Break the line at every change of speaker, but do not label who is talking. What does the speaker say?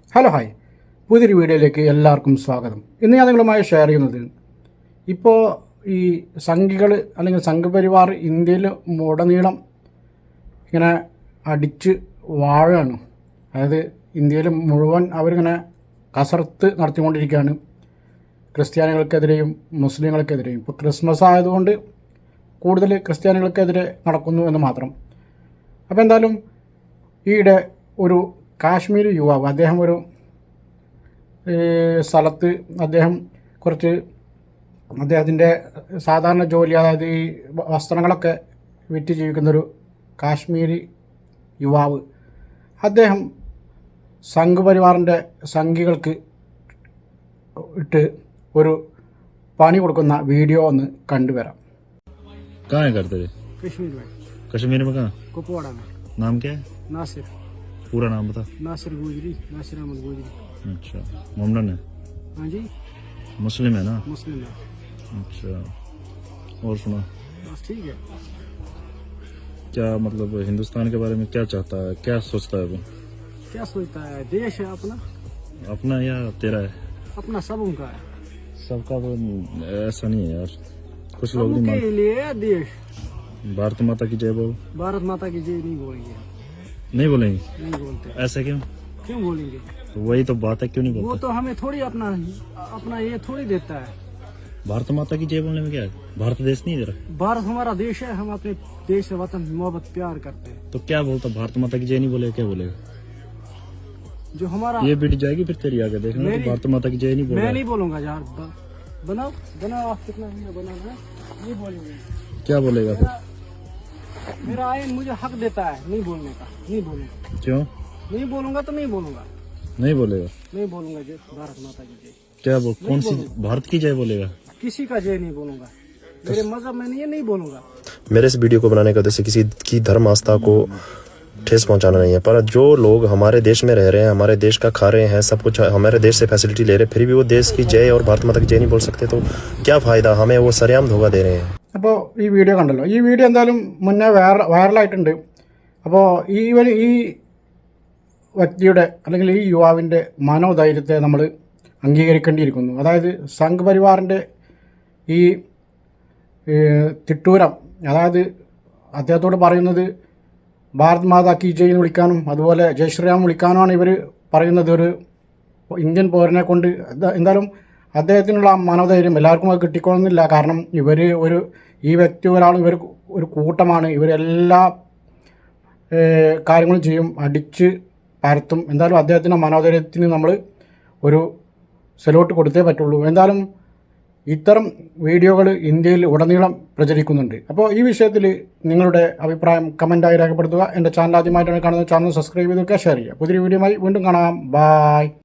Hello hi, പുതിയൊരു വീഡിയോയിലേക്ക് എല്ലാവർക്കും സ്വാഗതം. ഇന്ന് ഞാൻ നിങ്ങളുമായി ഷെയർ ചെയ്യുന്നത് ഇപ്പോൾ ഈ സംഘികൾ അല്ലെങ്കിൽ സംഘപരിവാർ ഇന്ത്യയിൽ ഉടനീളം ഇങ്ങനെ അടിച്ച് വാഴാണ്. അതായത് ഇന്ത്യയിൽ മുഴുവൻ അവരിങ്ങനെ കസർത്ത് നടത്തിക്കൊണ്ടിരിക്കുകയാണ്, ക്രിസ്ത്യാനികൾക്കെതിരെയും മുസ്ലിങ്ങൾക്കെതിരെയും. ഇപ്പോൾ ക്രിസ്മസ് ആയതുകൊണ്ട് കൂടുതൽ ക്രിസ്ത്യാനികൾക്കെതിരെ നടക്കുന്നു എന്ന് മാത്രം. അപ്പോൾ എന്തായാലും ഈയിടെ ഒരു കാശ്മീരി യുവാവ്, അദ്ദേഹം ഒരു സ്ഥലത്ത് അദ്ദേഹത്തിൻ്റെ സാധാരണ ജോലി, അതായത് ഈ വസ്ത്രങ്ങളൊക്കെ വിറ്റ് ജീവിക്കുന്നൊരു കാശ്മീരി യുവാവ്, അദ്ദേഹം സംഘപരിവാറിൻ്റെ സംഘികൾക്ക് ഇട്ട് ഒരു പണി കൊടുക്കുന്ന വീഡിയോ ഒന്ന് കണ്ടുവരാം.
कश्मीर में कहाँ?
कुपवाड़ा में।
नाम क्या है?
नासिर।
पूरा नाम बता।
नासिर गुजरी, नासिर अहमद गुजरी।
अच्छा, मोमडन है?
हाँ जी,
मुस्लिम है ना?
मुस्लिम है।
अच्छा, और सुना,
बस ठीक है।
क्या मतलब हिंदुस्तान के बारे में क्या चाहता है, क्या सोचता है अभी?
क्या सोचता है? देश है अपना,
अपना या तेरा है?
अपना सबों का है।
सबका तो ऐसा नहीं है यार, कुछ लोग नहीं
सबके लिए है देश।
भारत माता की जय बोल।
भारत माता की जय नहीं बोलेंगे,
नहीं बोलेंगे?
नहीं बोलते।
ऐसा क्यों?
क्यों बोलेंगे?
तो वही तो बात है, क्यों नहीं
वो
बोलते?
तो हमें थोड़ी अपना ये थोड़ी देता है।
भारत माता की जय बोलने में क्या है? भारत देश नहीं इधर?
भारत हमारा देश है, हम अपने देश से वतन मोहब्बत प्यार करते हैं।
तो क्या बोलता? भारत माता की जय नहीं बोलेगा, क्या बोलेगा?
जो हमारा
ये बीट जाएगी फिर तेरी आगे देखना, तो भारत माता की जय नहीं
मैं
बोलेगा।
नहीं बोलूंगा यार। बनाओ बनाओ, आप कितना बनाना है, नहीं बोलेंगे।
क्या बोलेगा फिर?
मेरा आइन मुझे हक देता है नहीं बोलने का, नहीं बोलूंगा।
क्यों
नहीं बोलूंगा तो नहीं बोलूंगा,
नहीं बोलेगा?
नहीं बोलूंगा। जय भारत माता की जय।
क्या बोल, कौन सी भारत की जय बोलेगा?
किसी का जय नहीं बोलूंगा, मेरे मजहब में नहीं बोलूंगा।
मेरे इस वीडियो को बनाने का उद्देश्य किसी की धर्म आस्था को ठेस पहुंचाना नहीं है, पर जो लोग हमारे देश में रह रहे हैं, हमारे देश का खा रहे हैं, सब कुछ हमारे देश से फैसिलिटी ले रहे हैं, फिर भी वो देश की जय और भारत माता की जय नहीं बोल सकते, तो क्या फ़ायदा? हमें वो सरेआम धोखा दे रहे हैं।
അപ്പോൾ ഈ വീഡിയോ കണ്ടല്ലോ. ഈ വീഡിയോ എന്തായാലും മുന്നേ വൈറലായിട്ടുണ്ട്. അപ്പോൾ ഈ വ്യക്തിയുടെ അല്ലെങ്കിൽ ഈ യുവാവിൻ്റെ മനോധൈര്യത്തെ നമ്മൾ അംഗീകരിക്കേണ്ടിയിരിക്കുന്നു. അതായത് സംഘപരിവാറിൻ്റെ ഈ തിട്ടൂരം, അതായത് അദ്ദേഹത്തോട് പറയുന്നത് ഭാരത് മാതാ കി ജയ് എന്ന് വിളിക്കാനും അതുപോലെ ജയ് ശ്രീറാം വിളിക്കാനുമാണ് ഇവർ പറയുന്നത്. ഒരു ഇന്ത്യൻ പൗരനെ കൊണ്ട് എന്തായാലും അദ്ദേഹത്തിനുള്ള മനോധൈര്യം എല്ലാവർക്കും അത് കിട്ടിക്കൊള്ളുന്നില്ല. കാരണം ഈ വ്യക്തി ഇവർ ഒരു കൂട്ടമാണ്, ഇവരെല്ലാ കാര്യങ്ങളും ചെയ്യും, അടിച്ച് പരത്തും. എന്തായാലും അദ്ദേഹത്തിൻ്റെ മനോധൈര്യത്തിന് നമ്മൾ ഒരു സല്യൂട്ട് കൊടുത്തേ പറ്റുള്ളൂ. എന്തായാലും ഇത്തരം വീഡിയോകൾ ഇന്ത്യയിൽ ഉടനീളം പ്രചരിക്കുന്നുണ്ട്. അപ്പോൾ ഈ വിഷയത്തിൽ നിങ്ങളുടെ അഭിപ്രായം കമൻറ്റായി രേഖപ്പെടുത്തുക. എൻ്റെ ചാനൽ ആദ്യമായിട്ടാണ് കാണുന്നത്, ചാനൽ സബ്സ്ക്രൈബ് ചെയ്ത് വെക്കുക, ഷെയർ ചെയ്യുക. പുതിയൊരു വീഡിയോയുമായി വീണ്ടും കാണാം. ബായ്.